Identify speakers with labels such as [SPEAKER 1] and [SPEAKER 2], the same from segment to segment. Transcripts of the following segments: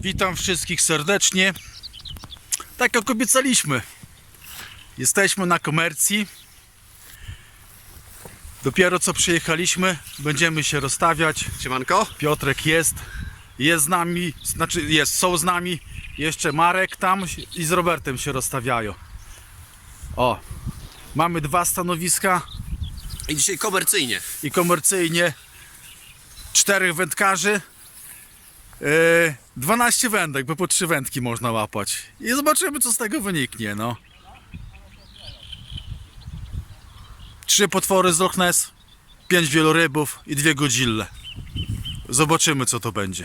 [SPEAKER 1] Witam wszystkich serdecznie. Tak jak obiecaliśmy, jesteśmy na komercji. Dopiero co przyjechaliśmy, będziemy się rozstawiać.
[SPEAKER 2] Siemanko.
[SPEAKER 1] Piotrek jest z nami, są z nami. Jeszcze Marek tam i z Robertem się rozstawiają. O, mamy dwa stanowiska
[SPEAKER 2] I dzisiaj komercyjnie.
[SPEAKER 1] i komercyjnie 4 wędkarzy. 12 wędek, bo po 3 wędki można łapać. I zobaczymy, co z tego wyniknie, no. 3 potwory z Loch Ness, 5 wielorybów i 2 godzille. Zobaczymy, co to będzie.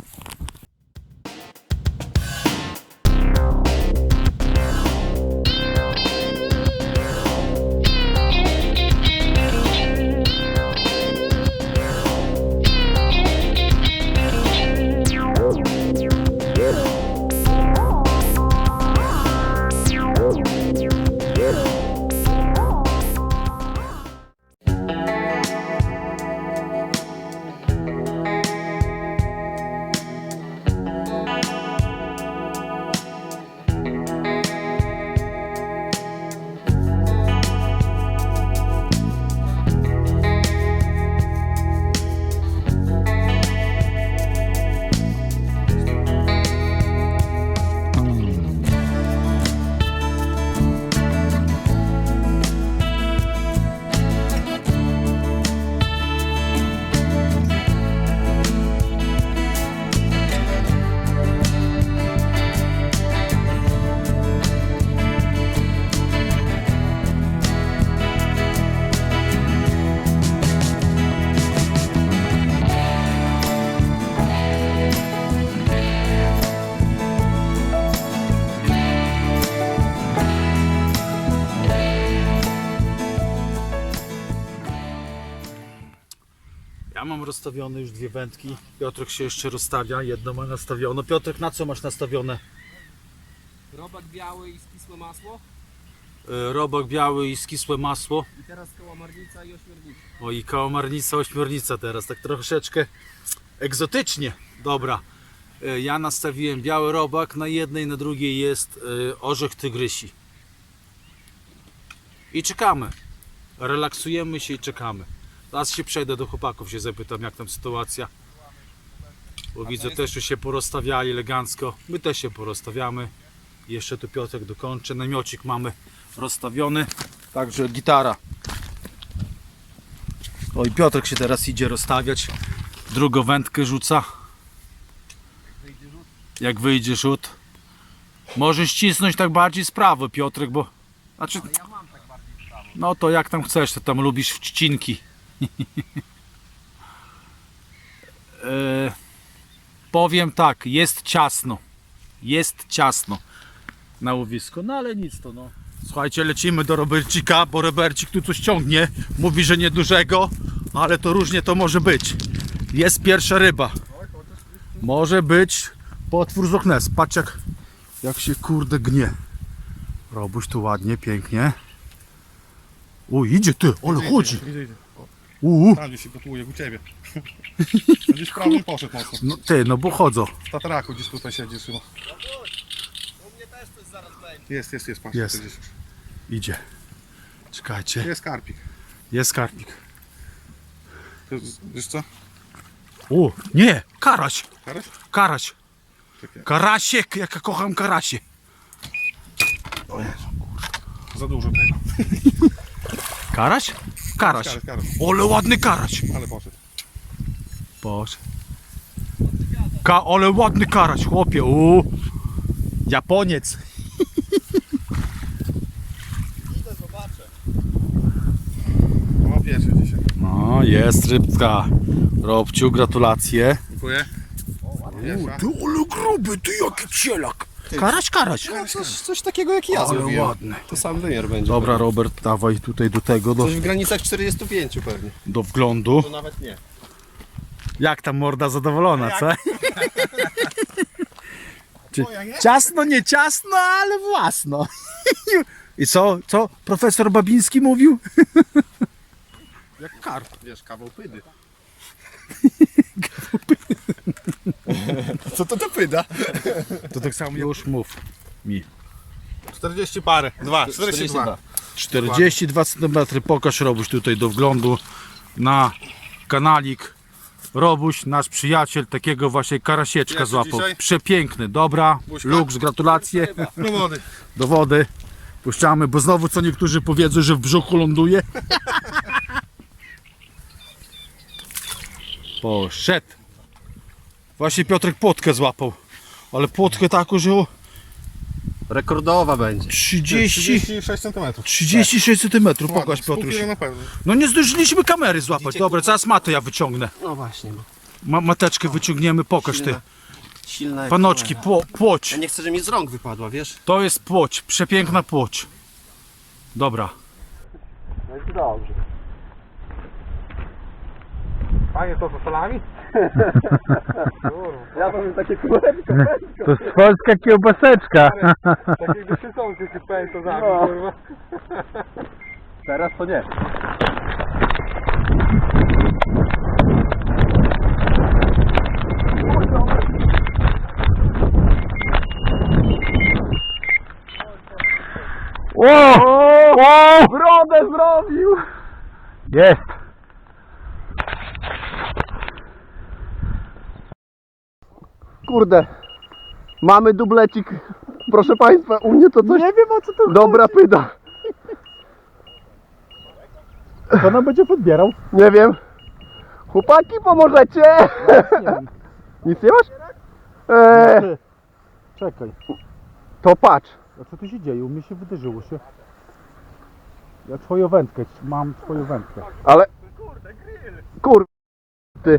[SPEAKER 1] Ja mam rozstawione już 2 wędki. Piotrek się jeszcze rozstawia, jedno ma nastawione. Piotrek, na co masz nastawione?
[SPEAKER 3] Robak biały i skisłe masło.
[SPEAKER 1] Robak biały i skisłe masło.
[SPEAKER 3] I teraz kałamarnica i ośmiornica.
[SPEAKER 1] O, i kałamarnica, ośmiornica teraz, tak troszeczkę egzotycznie. Dobra, ja nastawiłem biały robak, na jednej, na drugiej jest orzech tygrysi. I czekamy. Relaksujemy się i czekamy. Teraz się przejdę do chłopaków, się zapytam, jak tam sytuacja. Bo widzę, też już się porozstawiali elegancko. My też się porozstawiamy. Jeszcze tu Piotrek dokończy. Namiocik mamy rozstawiony. Także gitara. O, i Piotrek się teraz idzie rozstawiać. Drugą wędkę rzuca. Jak wyjdzie rzut. Możesz ścisnąć tak bardziej z prawo, Piotrek, bo... Znaczy... No to jak tam chcesz, to tam lubisz wcinki. Powiem tak, jest ciasno. Jest ciasno na łowisku, no ale nic to no. Słuchajcie, lecimy do Robercika, bo Robercik tu coś ciągnie. Mówi, że niedużego, ale to różnie to może być. Jest pierwsza ryba. Może być potwór z Loch Ness. Patrz jak się kurde gnie. Robuś tu ładnie, pięknie. O, idzie ty, ale chodzi.
[SPEAKER 4] Idzie. Tam gdzieś się gotuje, u ciebie. Gdzieś prawym poszedł mocno.
[SPEAKER 1] No ty, no bo chodzą.
[SPEAKER 4] W tatraku gdzieś tutaj siedzi chyba.
[SPEAKER 3] U mnie też coś zaraz będzie.
[SPEAKER 4] Jest, patrz.
[SPEAKER 1] Jest.
[SPEAKER 4] Gdzieś.
[SPEAKER 1] Idzie. Czekajcie.
[SPEAKER 4] Jest karpik.
[SPEAKER 1] Jest karpik.
[SPEAKER 4] To, wiesz co?
[SPEAKER 1] O, nie, karaś.
[SPEAKER 4] Karaś?
[SPEAKER 1] Karaś.
[SPEAKER 4] Czekaj.
[SPEAKER 1] Karasiek, jak ja kocham karasie.
[SPEAKER 4] O Jezu, za dużo tego.
[SPEAKER 1] Karaś? Karaś.
[SPEAKER 4] Karaś.
[SPEAKER 1] Ole ładny karaś.
[SPEAKER 4] Ale poszedł.
[SPEAKER 1] Boże. Ale ładny karaś, chłopie. O, Japoniec.
[SPEAKER 3] Idę, zobaczę.
[SPEAKER 4] O, pierwszy dzisiaj.
[SPEAKER 1] No, jest rybka. Robciu, gratulacje.
[SPEAKER 4] Dziękuję. Pierwsza.
[SPEAKER 1] Ty, ale gruby, ty jaki cielak. Karaś.
[SPEAKER 2] Coś takiego jak ja
[SPEAKER 1] Ale
[SPEAKER 2] zrobiłem.
[SPEAKER 1] ładny.
[SPEAKER 2] To sam wymiar będzie.
[SPEAKER 1] Dobra, Robert, dawaj tutaj do tego,
[SPEAKER 2] Coś w granicach 45 pewnie.
[SPEAKER 1] do wglądu.
[SPEAKER 2] To nawet nie.
[SPEAKER 1] Jak tam morda zadowolona, co? Czy ciasno, nie ciasno, ale własno. I co profesor Babiński mówił?
[SPEAKER 4] Jak karp, wiesz, kawał pydy.
[SPEAKER 2] Co to pyda?
[SPEAKER 4] To tak samo
[SPEAKER 1] Już mów mi.
[SPEAKER 4] 40 parę. 42.
[SPEAKER 1] 42 cm. Pokaż, Robuś, tutaj do wglądu na kanalik. Robuś, nasz przyjaciel, takiego właśnie karasieczka
[SPEAKER 4] Jest
[SPEAKER 1] złapał.
[SPEAKER 4] dzisiaj?
[SPEAKER 1] Przepiękny, dobra.
[SPEAKER 4] Buźka?
[SPEAKER 1] Luks, gratulacje.
[SPEAKER 4] No wody.
[SPEAKER 1] Do wody. Puszczamy, bo znowu co niektórzy powiedzą, że w brzuchu ląduje. Poszedł. Właśnie Piotrek płotkę złapał. Ale płotkę taką, że o
[SPEAKER 2] Rekordowa będzie.
[SPEAKER 4] 36 cm.
[SPEAKER 1] 36 cm. Pokaż, Piotruś.
[SPEAKER 4] Na pewno.
[SPEAKER 1] No nie zdążyliśmy kamery złapać. Dobra, zaraz matę ja wyciągnę.
[SPEAKER 2] No właśnie.
[SPEAKER 1] Mateczkę wyciągniemy, pokaż ty.
[SPEAKER 2] Silna.
[SPEAKER 1] Panoczki, płoć.
[SPEAKER 2] Ja nie chcę, żeby mi z rąk wypadła, wiesz?
[SPEAKER 1] To jest płoć, przepiękna płoć. Dobra.
[SPEAKER 4] No i dobrze. Fajnie to z salami?
[SPEAKER 2] Ja powiem takie kółeczko.
[SPEAKER 1] To jest polska kiełbaseczka.
[SPEAKER 4] Tak jakby się są takie pęto za
[SPEAKER 2] No.
[SPEAKER 4] kurwa.
[SPEAKER 2] Teraz to nie.
[SPEAKER 1] Brodę zrobił! Jest!
[SPEAKER 2] Kurde. Mamy dublecik. Proszę państwa, u mnie to coś...
[SPEAKER 1] Nie wiem, o co to
[SPEAKER 2] Dobra pyda.
[SPEAKER 1] To nam będzie podbierał.
[SPEAKER 2] Nie wiem. Chłopaki, pomożecie? Nic nie masz?
[SPEAKER 1] Czekaj,
[SPEAKER 2] To patrz.
[SPEAKER 1] a co tu się dzieje? U mnie się wydarzyło się. Ja twoją wędkę, mam twoją wędkę.
[SPEAKER 2] Ale... Kur... Ty.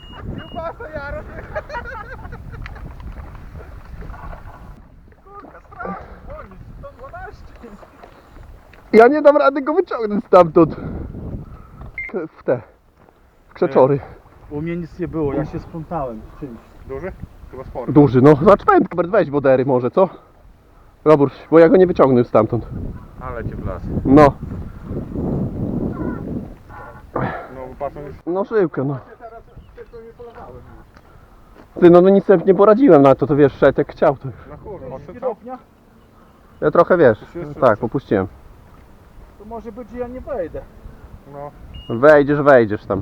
[SPEAKER 2] Ja nie dam rady go wyciągnąć stamtąd. W te... W krzeczory.
[SPEAKER 1] U mnie nic nie było, ja się splątałem z czymś.
[SPEAKER 4] Duży? Chyba spory.
[SPEAKER 2] Duży, no. Zacz wędkę, weź wodery może, co? Robór, bo ja go nie wyciągnę stamtąd.
[SPEAKER 4] Ale cię wlazł.
[SPEAKER 2] No.
[SPEAKER 4] No patrzą już.
[SPEAKER 2] No żyłkę, no. Ty, no nic sobie nie poradziłem na to, to wiesz, szedł jak chciał to już.
[SPEAKER 4] Na kurwa, odszedł co?
[SPEAKER 2] Ja trochę, wiesz,
[SPEAKER 4] się jeszcze
[SPEAKER 2] tak, popuściłem.
[SPEAKER 1] To może być, że ja nie wejdę.
[SPEAKER 4] No.
[SPEAKER 2] Wejdziesz tam.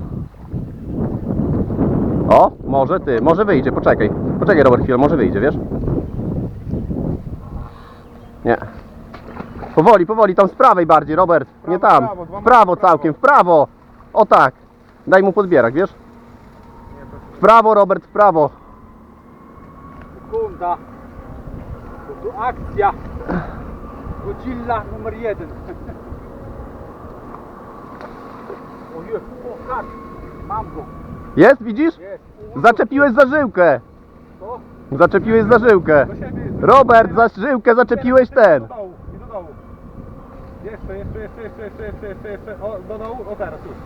[SPEAKER 2] O, może ty, może wyjdzie, poczekaj. Poczekaj, Robert, chwilę, może wyjdzie, wiesz? Nie. Powoli, tam z prawej bardziej, Robert, nie tam.
[SPEAKER 4] prawo, dwa
[SPEAKER 2] W prawo
[SPEAKER 4] metry w prawo.
[SPEAKER 2] całkiem, w prawo. O tak. Daj mu podbierak, wiesz? W prawo, Robert, w prawo.
[SPEAKER 1] Sekunda. To tu akcja. Godzilla numer 1. Ojej, o tak. Mam go.
[SPEAKER 2] Jest, widzisz?
[SPEAKER 1] Jest.
[SPEAKER 2] Zaczepiłeś za żyłkę.
[SPEAKER 1] Co?
[SPEAKER 2] Zaczepiłeś za żyłkę.
[SPEAKER 4] Do siebie.
[SPEAKER 2] Robert, za żyłkę zaczepiłeś ten.
[SPEAKER 4] Do dołu, i do dołu. Jeszcze. O, do dołu, o teraz już.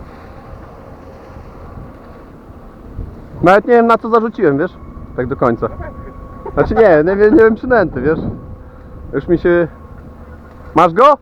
[SPEAKER 2] Nawet nie wiem, na co zarzuciłem, wiesz? Tak do końca. Znaczy nie wiem przynęty, wiesz? Już mi się... Masz go?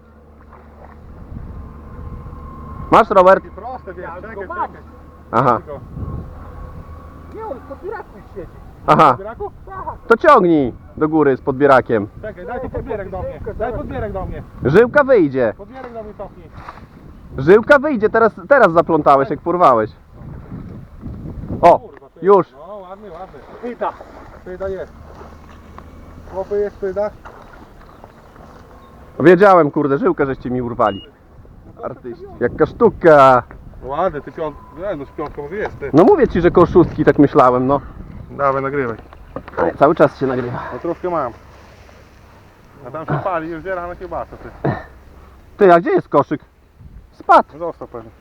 [SPEAKER 2] Masz, Robert?
[SPEAKER 4] I proste, wiesz, czekaj.
[SPEAKER 2] Aha,
[SPEAKER 1] Nie, on pod biuraku siedzi.
[SPEAKER 2] aha.
[SPEAKER 4] Bieraku?
[SPEAKER 2] To ciągnij do góry z podbierakiem.
[SPEAKER 4] Czekaj, daj tu podbierek do mnie. Daj podbierek do mnie.
[SPEAKER 2] Żyłka wyjdzie.
[SPEAKER 4] Podbierek do mnie cofnij.
[SPEAKER 2] Żyłka wyjdzie, teraz zaplątałeś, jak porwałeś. O,
[SPEAKER 4] Kurwa, ty.
[SPEAKER 2] już.
[SPEAKER 4] No, ładny. Pyda. Pyda jest. Chłopy jest pyda.
[SPEAKER 2] Wiedziałem, kurde, żyłkę żeście mi urwali. Artyści. Jaka sztuka.
[SPEAKER 4] Ładny, ty no z piątką może jest, ty.
[SPEAKER 2] No mówię ci, że koło szóstki, tak myślałem, no.
[SPEAKER 4] Dawaj, nagrywaj.
[SPEAKER 2] Ale cały czas się nagrywa.
[SPEAKER 4] No troszkę mam. A tam się pali, już zbiera na kiełbasę, ty.
[SPEAKER 2] Ty, a gdzie jest koszyk? Spadł.
[SPEAKER 4] Został pewnie.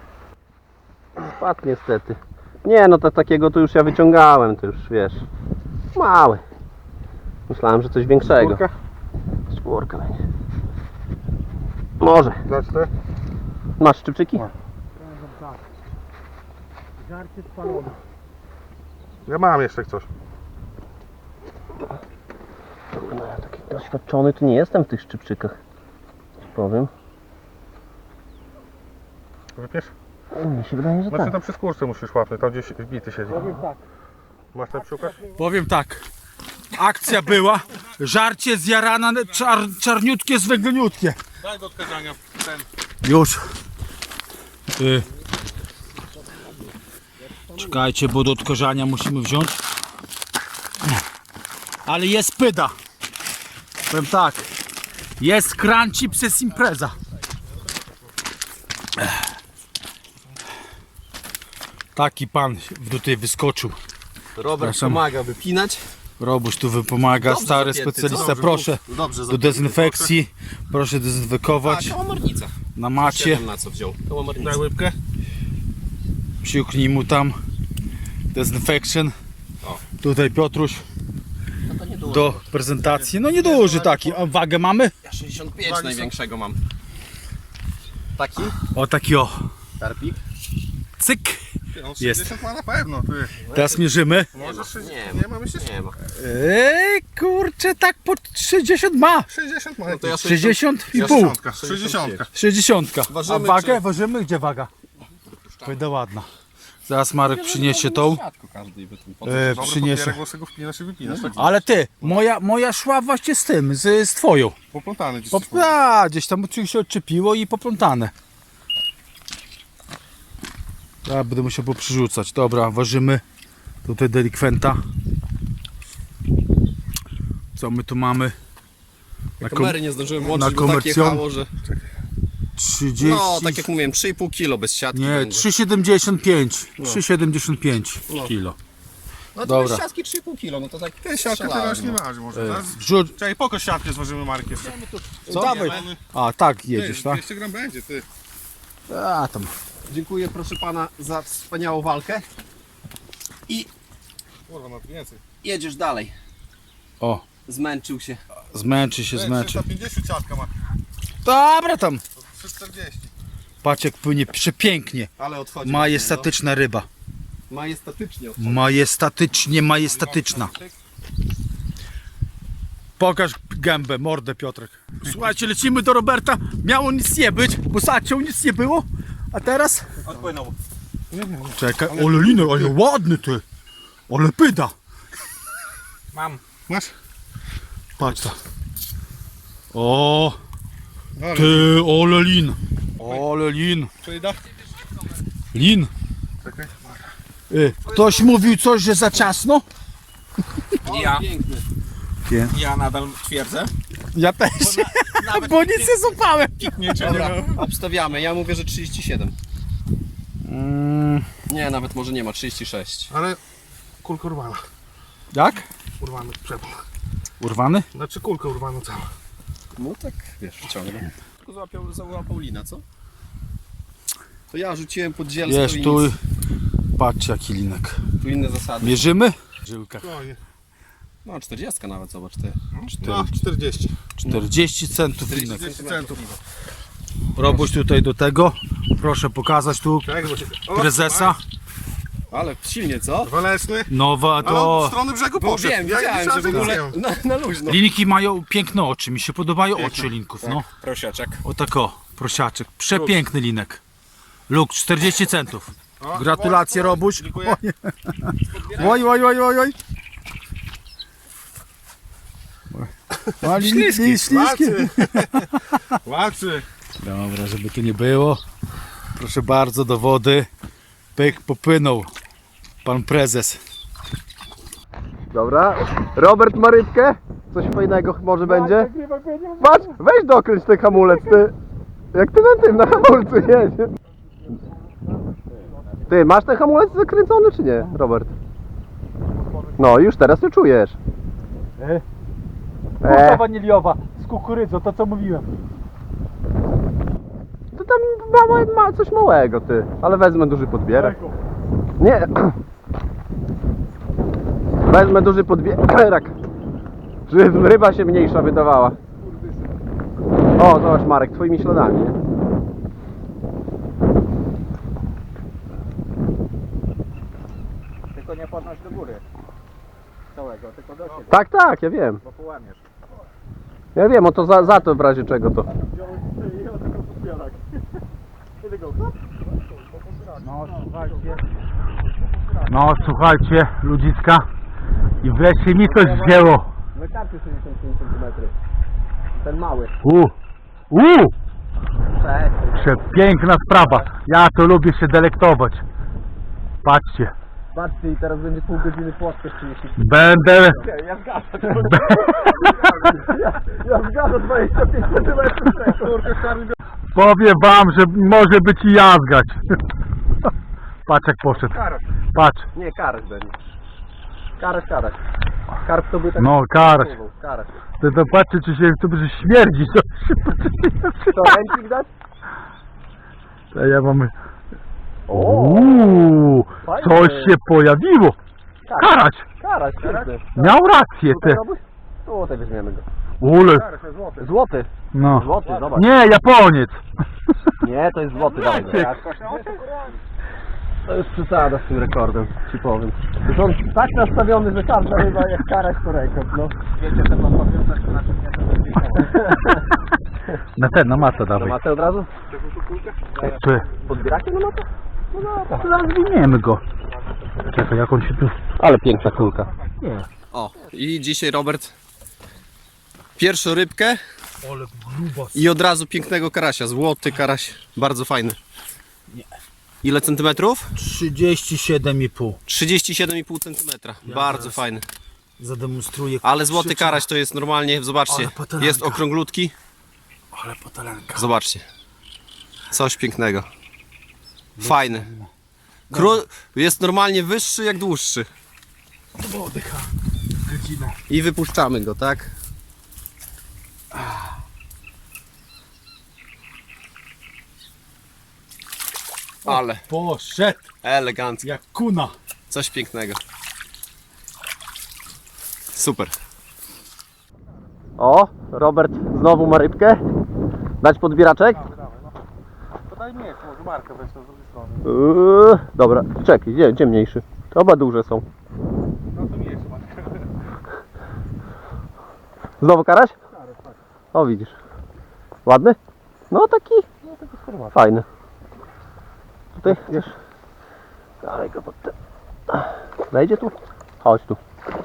[SPEAKER 2] Spadł niestety. Nie, no to takiego to już ja wyciągałem, to już wiesz. Mały. Myślałem, że coś większego.
[SPEAKER 4] Kurka.
[SPEAKER 2] Skórka będzie. Może.
[SPEAKER 4] Zacznę.
[SPEAKER 2] Masz szczypczyki?
[SPEAKER 4] Mam.
[SPEAKER 1] Żarcie spalone.
[SPEAKER 4] Ja mam jeszcze coś.
[SPEAKER 2] No, ja taki doświadczony to nie jestem w tych szczypczykach. Ci powiem.
[SPEAKER 4] Wypiesz?
[SPEAKER 2] Mnie się wydaje, że
[SPEAKER 4] Znaczy
[SPEAKER 2] tak.
[SPEAKER 4] tam przy skórce musisz łapnąć, tam gdzieś wbity siedzi.
[SPEAKER 1] Powiem tak.
[SPEAKER 4] Masz tam szukać?
[SPEAKER 1] Powiem tak. Akcja była. Żarcie zjarana, czarniutkie, zwęgleniutkie.
[SPEAKER 4] Daj do odkazania ten.
[SPEAKER 1] Już. Czekajcie, bo do odkażania musimy wziąć. Ale jest pyda. Powiem tak. Jest crunchy przez impreza. Taki pan tutaj wyskoczył.
[SPEAKER 3] Robert
[SPEAKER 1] Przepraszam.
[SPEAKER 3] pomaga wypinać.
[SPEAKER 1] Robuś tu wypomaga,
[SPEAKER 3] Dobrze
[SPEAKER 1] stary
[SPEAKER 3] zapięty,
[SPEAKER 1] specjalista.
[SPEAKER 3] dobrze,
[SPEAKER 1] Proszę
[SPEAKER 3] Dobrze,
[SPEAKER 1] do dezynfekcji. Proszę dezynfekować.
[SPEAKER 3] kałamarnica.
[SPEAKER 1] Na macie.
[SPEAKER 3] Na co wziął? Kałamarnica.
[SPEAKER 4] Daj łybkę.
[SPEAKER 1] Psiuknij mu tam. Dezynfection.
[SPEAKER 3] O.
[SPEAKER 1] Tutaj Piotruś
[SPEAKER 3] No to nie dużo.
[SPEAKER 1] do prezentacji. No nieduży taki. A wagę mamy?
[SPEAKER 3] Ja 65 największego mam. Taki?
[SPEAKER 1] O taki o.
[SPEAKER 3] Karpik?
[SPEAKER 1] Cyk.
[SPEAKER 4] Ty, on
[SPEAKER 1] Jest.
[SPEAKER 4] 60 ma na pewno, ty.
[SPEAKER 1] Teraz mierzymy.
[SPEAKER 4] Może 60,
[SPEAKER 3] nie
[SPEAKER 4] nie ma myślę,
[SPEAKER 3] Nie ma.
[SPEAKER 1] Kurczę, tak po 60 ma.
[SPEAKER 4] 60 ma.
[SPEAKER 3] No to ja
[SPEAKER 1] 60 i
[SPEAKER 3] Ja
[SPEAKER 1] pół.
[SPEAKER 4] 60.
[SPEAKER 1] 60.
[SPEAKER 3] Ważymy,
[SPEAKER 1] A wagę?
[SPEAKER 3] czy-
[SPEAKER 1] Ważymy? Gdzie waga? Będę ładna. Zaraz Marek przyniesie tą.
[SPEAKER 3] Każdy by tu
[SPEAKER 4] Dobry
[SPEAKER 1] Przyniesie.
[SPEAKER 4] papierek, bo sobie go wpinasz i wypinasz. Tak
[SPEAKER 1] Ale ty, moja szła właśnie z tym, z twoją.
[SPEAKER 4] poplątany gdzieś.
[SPEAKER 1] Gdzieś tam się odczepiło i poplątane. Ja będę musiał poprzyrzucać. Dobra, ważymy tutaj delikwenta. Co my tu mamy? Na
[SPEAKER 3] Kamery nie zdążyłem
[SPEAKER 1] na
[SPEAKER 3] włączyć, bo tak
[SPEAKER 1] komercją?
[SPEAKER 3] jechało, że...
[SPEAKER 1] 30.
[SPEAKER 3] No, tak jak mówiłem, 3,5 kilo bez siatki.
[SPEAKER 1] Nie,
[SPEAKER 3] będzie.
[SPEAKER 1] 3,75. 3,75 kilo.
[SPEAKER 3] No to
[SPEAKER 1] Dobra.
[SPEAKER 3] bez siatki 3,5 kilo, no to tak
[SPEAKER 4] Ten siatkę
[SPEAKER 3] strzelałem,
[SPEAKER 4] teraz nie
[SPEAKER 3] no.
[SPEAKER 4] waży może. Teraz...
[SPEAKER 1] Wrzuć.
[SPEAKER 4] Czekaj, pokaż siatkę, zważymy Marek jeszcze.
[SPEAKER 1] Co? Dawaj. A, tak jedziesz,
[SPEAKER 4] Ty,
[SPEAKER 1] tak?
[SPEAKER 4] 200 gram będzie, ty.
[SPEAKER 1] A, tam.
[SPEAKER 3] Dziękuję proszę pana za wspaniałą walkę. I
[SPEAKER 4] Kurwa, no to więcej.
[SPEAKER 3] jedziesz dalej.
[SPEAKER 1] O,
[SPEAKER 3] Zmęczył się.
[SPEAKER 1] zmęczy się,
[SPEAKER 4] Ty,
[SPEAKER 1] zmęczy.
[SPEAKER 4] 350 siatka ma.
[SPEAKER 1] Dobra tam.
[SPEAKER 4] 340.
[SPEAKER 1] Patrz jak płynie przepięknie.
[SPEAKER 3] Ale odchodzi.
[SPEAKER 1] Majestatyczna ryba.
[SPEAKER 3] No. Majestatycznie odchodzi.
[SPEAKER 1] Majestatycznie, majestatyczna. Pokaż gębę, mordę Piotrek. Słuchajcie, lecimy do Roberta. Miało nic nie być, bo zaciął nic nie było. A teraz?
[SPEAKER 4] Odpłynął.
[SPEAKER 1] Czekaj, ale liny, ale ładny ty. Ale pyda.
[SPEAKER 3] Mam.
[SPEAKER 4] Masz?
[SPEAKER 1] Patrz to. O,
[SPEAKER 4] Ale
[SPEAKER 1] ty, ale lin. Ale lin.
[SPEAKER 4] przyjda.
[SPEAKER 1] Lin.
[SPEAKER 4] Czekaj.
[SPEAKER 1] Ktoś mówił coś, że za ciasno?
[SPEAKER 3] Ja. Piękny.
[SPEAKER 5] Ja nadal twierdzę.
[SPEAKER 1] Ja też. Bo nic nie złapałem.
[SPEAKER 3] Dobra, obstawiamy. Ja mówię, że 37. Nie, nawet może nie ma, 36.
[SPEAKER 4] Ale kulka urwana.
[SPEAKER 1] Jak?
[SPEAKER 4] Urwany przepon.
[SPEAKER 1] Urwany?
[SPEAKER 4] Znaczy kulkę urwaną całą.
[SPEAKER 3] No tak, wiesz, wciągnę. Tylko załapał lina, co? To ja rzuciłem pod zielsko
[SPEAKER 1] Jest
[SPEAKER 3] i
[SPEAKER 1] tu.
[SPEAKER 3] nic.
[SPEAKER 1] Patrz jaki linek.
[SPEAKER 3] Tu inne zasady.
[SPEAKER 1] Mierzymy? Żyłka.
[SPEAKER 4] Spokojnie.
[SPEAKER 3] No 40 nawet, zobacz ty.
[SPEAKER 4] No, 40.
[SPEAKER 1] 40 centów linek.
[SPEAKER 4] 40 centów.
[SPEAKER 1] Robuś tutaj do tego. Proszę pokazać tu
[SPEAKER 4] Czekaj, bo się... O,
[SPEAKER 1] prezesa.
[SPEAKER 3] Ale silnie, co?
[SPEAKER 4] Waleczny.
[SPEAKER 1] Nowa
[SPEAKER 4] Ale od
[SPEAKER 1] to.
[SPEAKER 4] strony brzegu
[SPEAKER 3] Bo
[SPEAKER 4] poszedł.
[SPEAKER 3] wiem, widziałem, że w ogóle na luźno.
[SPEAKER 1] Linki mają piękne oczy. Mi się podobają oczy linków. No.
[SPEAKER 5] Prosiaczek.
[SPEAKER 1] O tak o. Prosiaczek. Przepiękny linek. Luk 40 centów.
[SPEAKER 4] O,
[SPEAKER 1] Gratulacje Robuś.
[SPEAKER 4] Dziękuję.
[SPEAKER 1] Oj, oj, oj, oj, oj. Śliskie.
[SPEAKER 4] Walczy. Walczy.
[SPEAKER 1] Dobra, żeby tu nie było. Proszę bardzo, do wody. Pyk, popłynął pan prezes.
[SPEAKER 2] Dobra. Robert ma rybkę. Coś fajnego może będzie. Patrz, weź dokręć ten hamulec, ty. Jak ty na tym, na hamulcu jedzie. Ty, masz ten hamulec zakręcony czy nie, Robert? No, już teraz to czujesz.
[SPEAKER 1] Bułka waniliowa z kukurydzą, to co mówiłem.
[SPEAKER 2] To tam ma coś małego, ty. Ale wezmę duży podbierak. Nie. Wezmę duży podbierak. Żeby ryba się mniejsza wydawała. O, zobacz Marek, twoimi śladami, nie?
[SPEAKER 5] Tylko nie podnoś do góry. Całego, tylko do siebie,
[SPEAKER 2] Tak, tak, ja wiem.
[SPEAKER 5] bo połamiesz.
[SPEAKER 2] Ja wiem, o to za to w razie czego to.
[SPEAKER 1] No słuchajcie. No słuchajcie, ludziska, i wreszcie mi coś wzięło.
[SPEAKER 2] Wystarczy 65 cm. Ten mały. Cześć.
[SPEAKER 1] Przepiękna sprawa. Ja to lubię się delektować. Patrzcie,
[SPEAKER 2] Patrzcie, i teraz będzie pół godziny płotkę 30.
[SPEAKER 1] będę...
[SPEAKER 2] Ja zgadzam. Ja zgadzam 25 cm.
[SPEAKER 1] Powiem wam, że może być i jazgać. Patrz jak poszedł. Patrz.
[SPEAKER 2] Nie, karać będzie. Karać. Karp to by tak...
[SPEAKER 1] No, karać.
[SPEAKER 2] Karać.
[SPEAKER 1] To patrzcie, czy się to że śmierdzi.
[SPEAKER 2] To ręcznik dać?
[SPEAKER 1] To ja mamy...
[SPEAKER 2] fajnie.
[SPEAKER 1] Coś się pojawiło. Karać.
[SPEAKER 2] Karać, kurde.
[SPEAKER 1] Miał rację te.
[SPEAKER 2] Złoty weźmiemy go.
[SPEAKER 1] Ule.
[SPEAKER 2] Złoty.
[SPEAKER 1] No.
[SPEAKER 2] Złoty, zobacz.
[SPEAKER 1] Nie, Japoniec.
[SPEAKER 2] Nie, to jest złoty, dawaj go. To jest przesada z tym rekordem, ci powiem. Już on tak nastawiony, że każda ryba jak karać to rekord, no.
[SPEAKER 5] Wiecie, ten mam powiązać, to znaczy nie, to jest
[SPEAKER 1] Na matę
[SPEAKER 2] Na
[SPEAKER 1] dawaj.
[SPEAKER 2] matę od razu?
[SPEAKER 1] Ty.
[SPEAKER 2] Podbieracie na matę?
[SPEAKER 1] Rozwiniemy go. Czekaj, jak on się tu...
[SPEAKER 2] Ale piękna kulka.
[SPEAKER 3] O, i dzisiaj Robert pierwszą rybkę i od razu pięknego karasia, złoty karaś, bardzo fajny. Ile centymetrów?
[SPEAKER 1] 37,5.
[SPEAKER 3] 37,5 centymetra, bardzo fajny.
[SPEAKER 1] Zademonstruję.
[SPEAKER 3] Ale złoty karaś to jest normalnie, zobaczcie,
[SPEAKER 1] Ale patalanka.
[SPEAKER 3] jest okrąglutki,
[SPEAKER 1] Ale potalenka.
[SPEAKER 3] zobaczcie, coś pięknego, fajny. Jest normalnie wyższy jak dłuższy. I wypuszczamy go, tak? Ale
[SPEAKER 1] Poszedł
[SPEAKER 3] elegancko,
[SPEAKER 1] jak kuna.
[SPEAKER 3] coś pięknego. Super.
[SPEAKER 2] O, Robert znowu ma rybkę. Dać podbieraczek?
[SPEAKER 4] Podaj mnie, może markę weź to z drugiej strony.
[SPEAKER 2] Dobra, czekaj, gdzie mniejszy? To oba duże są.
[SPEAKER 4] No to nie jest markę.
[SPEAKER 2] Znowu karaś? O, widzisz. Ładny? No taki fajny. Tutaj chcesz? Dawaj go pod ten. Wejdzie tu? Chodź tu.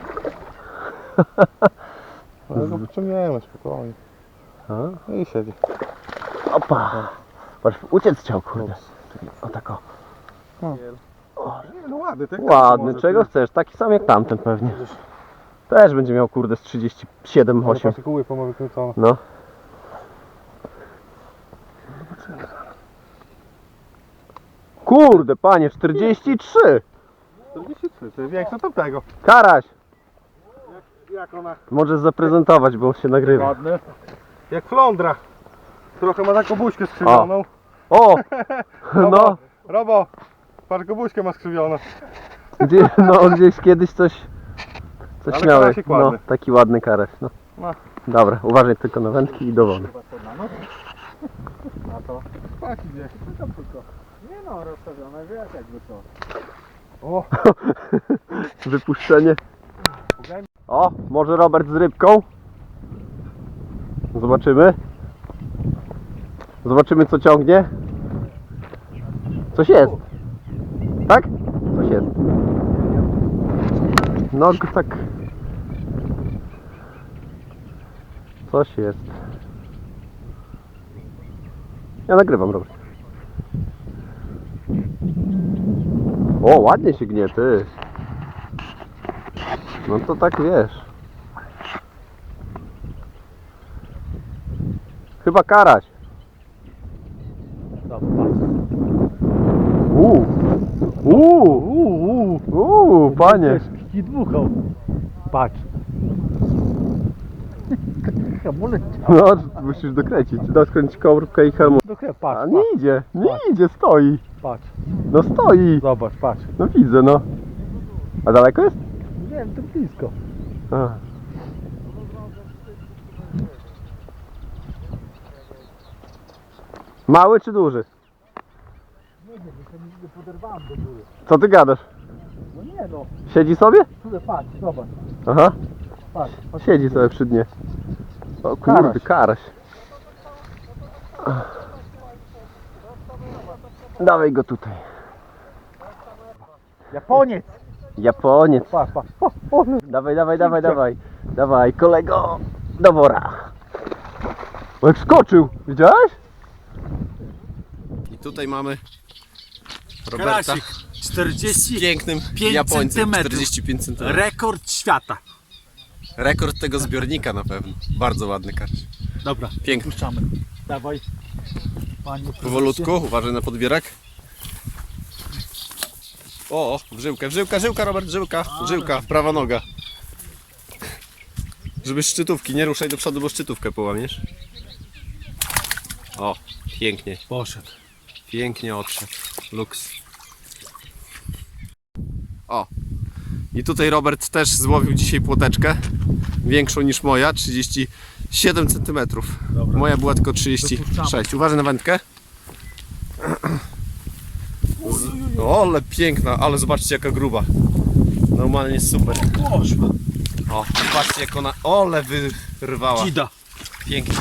[SPEAKER 4] Ale go wyciągniemy spokojnie.
[SPEAKER 2] A?
[SPEAKER 4] I siedzi.
[SPEAKER 2] Opa! Patrz, uciec chciał, kurde. O tak o.
[SPEAKER 4] Nie, no ładny, tak?
[SPEAKER 2] Ładny, czego chcesz? Taki sam jak tamten pewnie. Też będzie miał, kurde, z 37, 8.
[SPEAKER 4] Partykuły pomały wykręcone.
[SPEAKER 2] No. Kurde, panie, 43!
[SPEAKER 4] 43, to jest większe od tamtego.
[SPEAKER 2] Karaś!
[SPEAKER 4] Jak ona?
[SPEAKER 2] Możesz zaprezentować, bo się nagrywa.
[SPEAKER 4] Ładny. Jak flądra. Trochę ma taką buźkę skrzywioną.
[SPEAKER 2] O! No,
[SPEAKER 4] Robo, patrz, buźkę ma skrzywioną.
[SPEAKER 2] gdzieś kiedyś coś
[SPEAKER 4] Ale
[SPEAKER 2] miałeś.
[SPEAKER 4] karasik
[SPEAKER 2] No,
[SPEAKER 4] ładny.
[SPEAKER 2] taki ładny karaś. No.
[SPEAKER 4] No.
[SPEAKER 2] Dobra, uważaj tylko na wędki i do wody.
[SPEAKER 4] Taki gdzieś.
[SPEAKER 5] Nie no, rozstawione, wiesz jakby to.
[SPEAKER 4] O,
[SPEAKER 2] Wypuszczenie. O, może Robert z rybką? Zobaczymy. Zobaczymy, co ciągnie. Coś jest. Tak? Coś jest. No tak. Coś jest. Ja nagrywam, Robert. O, ładnie się gnie, ty. No to tak wiesz. Chyba karaś. Panie.
[SPEAKER 1] I dmuchał. Patrz. Hamulec.
[SPEAKER 2] No, musisz dokręcić. Da skręcić kołówkę i hamulec.
[SPEAKER 1] Patrz,
[SPEAKER 2] A nie idzie, nie idzie, stoi.
[SPEAKER 1] patrz.
[SPEAKER 2] No stoi.
[SPEAKER 1] Zobacz, patrz.
[SPEAKER 2] No widzę, no. A daleko jest?
[SPEAKER 1] Nie wiem, to blisko.
[SPEAKER 2] A. Mały czy duży? Co ty gadasz?
[SPEAKER 1] No nie no,
[SPEAKER 2] Siedzi sobie?
[SPEAKER 1] tutaj patrz, zobacz.
[SPEAKER 2] Aha,
[SPEAKER 1] Patrz,
[SPEAKER 2] siedzi sobie przy dnie. O kurde, karaś. Dawaj go tutaj.
[SPEAKER 5] Japoniec.
[SPEAKER 2] Japoniec.
[SPEAKER 5] Pa, pa.
[SPEAKER 2] Dawaj, dawaj, dawaj, dawaj. Dawaj, kolego. Do wora. O, jak skoczył. Widziałeś?
[SPEAKER 3] I tutaj mamy Roberta
[SPEAKER 1] Karasik.
[SPEAKER 3] z
[SPEAKER 1] 45
[SPEAKER 3] pięknym Japońcem.
[SPEAKER 1] centymetrów.
[SPEAKER 3] 45 cm.
[SPEAKER 1] Rekord świata.
[SPEAKER 3] Rekord tego zbiornika na pewno. Bardzo ładny karś.
[SPEAKER 1] Dobra,
[SPEAKER 3] Piękny.
[SPEAKER 1] puszczamy. Dawaj. Panie prezesie.
[SPEAKER 3] Powolutku, uważaj na podbierak. O, żyłka, Robert, żyłka, prawa noga. Żeby szczytówki, nie ruszaj do przodu, bo szczytówkę połamiesz. O, pięknie,
[SPEAKER 1] Poszedł.
[SPEAKER 3] pięknie odszedł. Luks. O, i tutaj Robert też złowił dzisiaj płoteczkę. Większą niż moja, 37 cm.
[SPEAKER 1] Dobra.
[SPEAKER 3] Moja była tylko 36.
[SPEAKER 1] Wypuszczamy.
[SPEAKER 3] Uważaj na wędkę. O, ale piękna, ale zobaczcie jaka gruba. Normalnie super.
[SPEAKER 1] Poszła.
[SPEAKER 3] O, patrzcie jak ona, ole wyrwała.
[SPEAKER 1] Dzida.
[SPEAKER 3] Pięknie.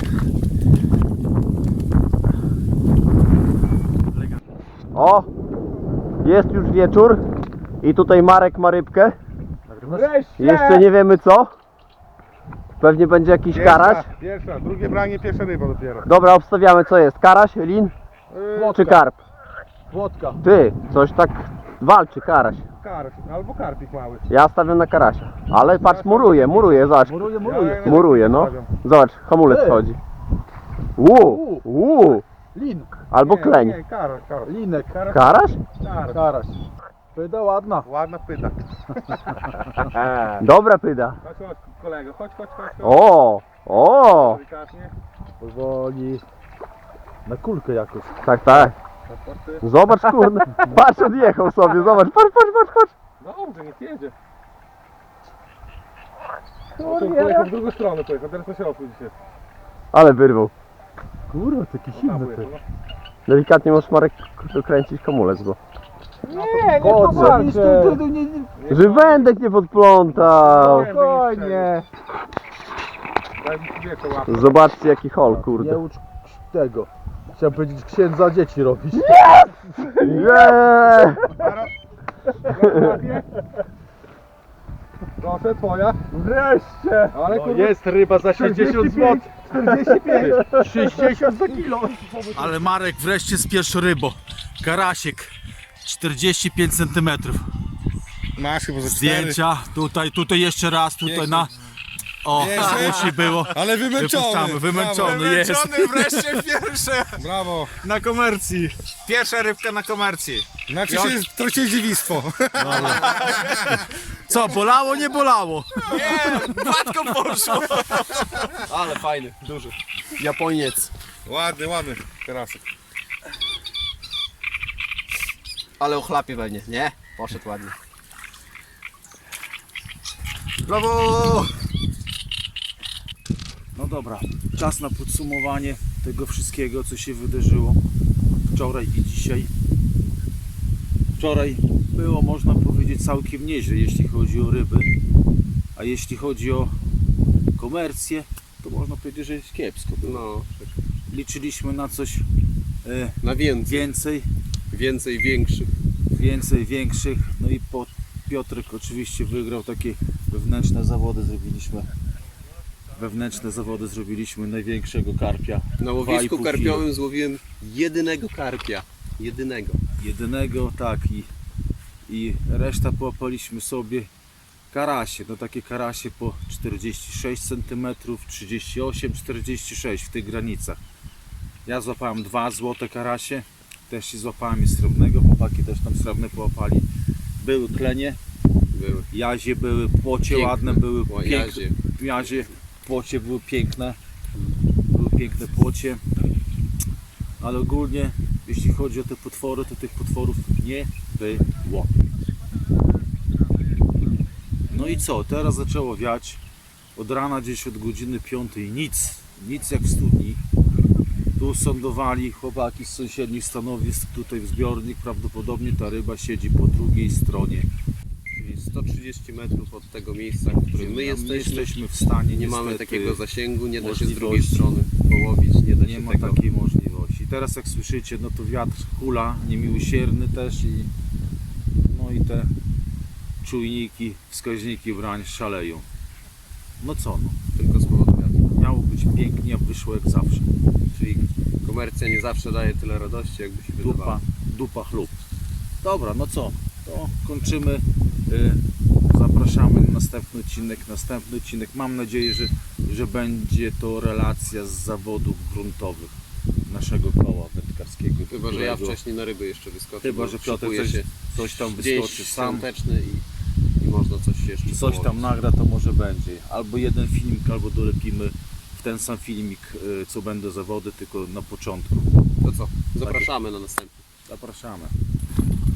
[SPEAKER 2] O! Jest już wieczór. I tutaj Marek ma rybkę.
[SPEAKER 5] Wreszcie.
[SPEAKER 2] Jeszcze nie wiemy co. Pewnie będzie jakiś karaś.
[SPEAKER 4] Pierwsza, drugie branie, pierwsza ryba dopiero.
[SPEAKER 2] Dobra, obstawiamy co jest. Karaś, lin czy karp?
[SPEAKER 5] Włodka.
[SPEAKER 2] Ty, coś tak walczy karaś.
[SPEAKER 4] Karp, albo karpik mały.
[SPEAKER 2] Ja stawiam na karasia. Ale patrz, muruje, zobacz.
[SPEAKER 5] Muruje.
[SPEAKER 2] Muruje, no. Zobacz, hamulec wchodzi.
[SPEAKER 5] Lin.
[SPEAKER 2] Albo kleń.
[SPEAKER 4] Nie, karp.
[SPEAKER 5] Linek.
[SPEAKER 2] Karaś?
[SPEAKER 5] Karaś. Pyda ładna.
[SPEAKER 4] Ładna pyta.
[SPEAKER 2] Dobra pyda.
[SPEAKER 4] Chodź, kolego, chodź.
[SPEAKER 2] O!
[SPEAKER 4] Delikatnie.
[SPEAKER 5] Powoli. Na kulkę jakoś.
[SPEAKER 2] Tak. Zobacz, kurde. Patrz, odjechał sobie, zobacz. Patrz.
[SPEAKER 4] Dobrze, niech jedzie. Pojechał w drugą stronę, teraz na środku dzisiaj.
[SPEAKER 2] Ale wyrwał.
[SPEAKER 5] Kurwa, taki silny ty.
[SPEAKER 2] Delikatnie możesz Marek dokręcić hamulec, bo...
[SPEAKER 5] Nie
[SPEAKER 2] powalczę. Że wędek nie podplątał.
[SPEAKER 5] Spokojnie.
[SPEAKER 4] Daj mi wiecie łapę.
[SPEAKER 2] Zobaczcie jaki hol,
[SPEAKER 5] Nie
[SPEAKER 2] kurde.
[SPEAKER 5] ucz tego. Chciałem powiedzieć księdza dzieci robić.
[SPEAKER 2] Nie!
[SPEAKER 4] Proszę, twoja.
[SPEAKER 5] Wreszcie.
[SPEAKER 4] Ale
[SPEAKER 5] No
[SPEAKER 4] kurwa,
[SPEAKER 5] jest ryba za 60 zł. 45. 60 za kilo.
[SPEAKER 1] Ale Marek wreszcie z pierwszą rybą. Karasiek. 45 cm.
[SPEAKER 4] masz chyba ze 4.
[SPEAKER 1] Zdjęcia. Tutaj jeszcze raz. Tutaj na... O, musi było.
[SPEAKER 4] Ale
[SPEAKER 1] Wypuszczamy. Wymęczony jest.
[SPEAKER 6] Wreszcie pierwsze
[SPEAKER 4] Brawo.
[SPEAKER 6] na komercji. Pierwsza rybka na komercji.
[SPEAKER 4] Znaczy się trochę dziewictwo.
[SPEAKER 1] Co, bolało, nie bolało?
[SPEAKER 6] Gładko poszło.
[SPEAKER 3] Ale fajny, duży. Japoniec.
[SPEAKER 4] Ładny karasek.
[SPEAKER 3] Ale ochlapie pewnie, nie? Poszedł ładnie.
[SPEAKER 1] Brawo! No dobra, czas na podsumowanie tego wszystkiego, co się wydarzyło wczoraj i dzisiaj. Wczoraj było, można powiedzieć, całkiem nieźle, jeśli chodzi o ryby, a jeśli chodzi o komercję, to można powiedzieć, że jest kiepsko było.
[SPEAKER 3] No,
[SPEAKER 1] Liczyliśmy na coś
[SPEAKER 3] na więcej.
[SPEAKER 1] więcej, większych, no i Piotrek oczywiście wygrał takie wewnętrzne zawody, zrobiliśmy największego karpia.
[SPEAKER 3] Na
[SPEAKER 1] 2,5
[SPEAKER 3] łowisku
[SPEAKER 1] kilo.
[SPEAKER 3] karpiowym złowiłem jedynego karpia.
[SPEAKER 1] Jedynego, tak, i reszta połapaliśmy sobie karasie, no takie karasie po 46 cm, 38, 46 w tych granicach. Ja złapałem 2 złote karasie, też się złapałem i srebrnego, chłopaki też tam srebrne połapali. Były klenie,
[SPEAKER 3] Były.
[SPEAKER 1] jazie były, płocie
[SPEAKER 3] Piękne.
[SPEAKER 1] ładne były,
[SPEAKER 3] O, jazie.
[SPEAKER 1] jazie, płocie były piękne, płocie, ale ogólnie jeśli chodzi o te potwory, to tych potworów nie było. No i co, teraz zaczęło wiać, od rana gdzieś od godziny 5 nic jak w studni. Tu sądowali chłopaki z sąsiednich stanowisk, tutaj w zbiornik, prawdopodobnie ta ryba siedzi po drugiej stronie.
[SPEAKER 3] Czyli 130 metrów od tego miejsca, w którym my jesteśmy.
[SPEAKER 1] w stanie,
[SPEAKER 3] Nie mamy
[SPEAKER 1] niestety,
[SPEAKER 3] takiego zasięgu, nie da się z drugiej
[SPEAKER 1] możliwości.
[SPEAKER 3] strony połowić, nie da
[SPEAKER 1] Nie
[SPEAKER 3] się
[SPEAKER 1] ma
[SPEAKER 3] tego.
[SPEAKER 1] takiej możliwości. Teraz jak słyszycie, no to wiatr hula, niemiłosierny też i no i te czujniki, wskaźniki brań szaleją. No co no,
[SPEAKER 3] Tylko z powodu wiatru.
[SPEAKER 1] miało być pięknie, a wyszło jak zawsze.
[SPEAKER 3] Czyli komercja nie zawsze daje tyle radości, jakby się wydawało.
[SPEAKER 1] Dupa chlub. Dobra, no co, to kończymy. Zapraszamy na następny odcinek. Mam nadzieję, że będzie to relacja z zawodów gruntowych naszego koła wędkarskiego.
[SPEAKER 3] Chyba, że ja
[SPEAKER 1] którego-
[SPEAKER 3] wcześniej na ryby jeszcze wyskoczę.
[SPEAKER 1] Chyba,
[SPEAKER 3] bo
[SPEAKER 1] że Piotr
[SPEAKER 3] szykuje się
[SPEAKER 1] coś tam
[SPEAKER 3] dzień
[SPEAKER 1] wyskoczy sam.
[SPEAKER 3] świąteczny i można coś jeszcze
[SPEAKER 1] Coś tam
[SPEAKER 3] położyć.
[SPEAKER 1] nagra, to może będzie. Albo jeden filmik, albo dolepimy w ten sam filmik, co będą zawody, tylko na początku.
[SPEAKER 3] To co? Zapraszamy na następny.
[SPEAKER 1] Zapraszamy.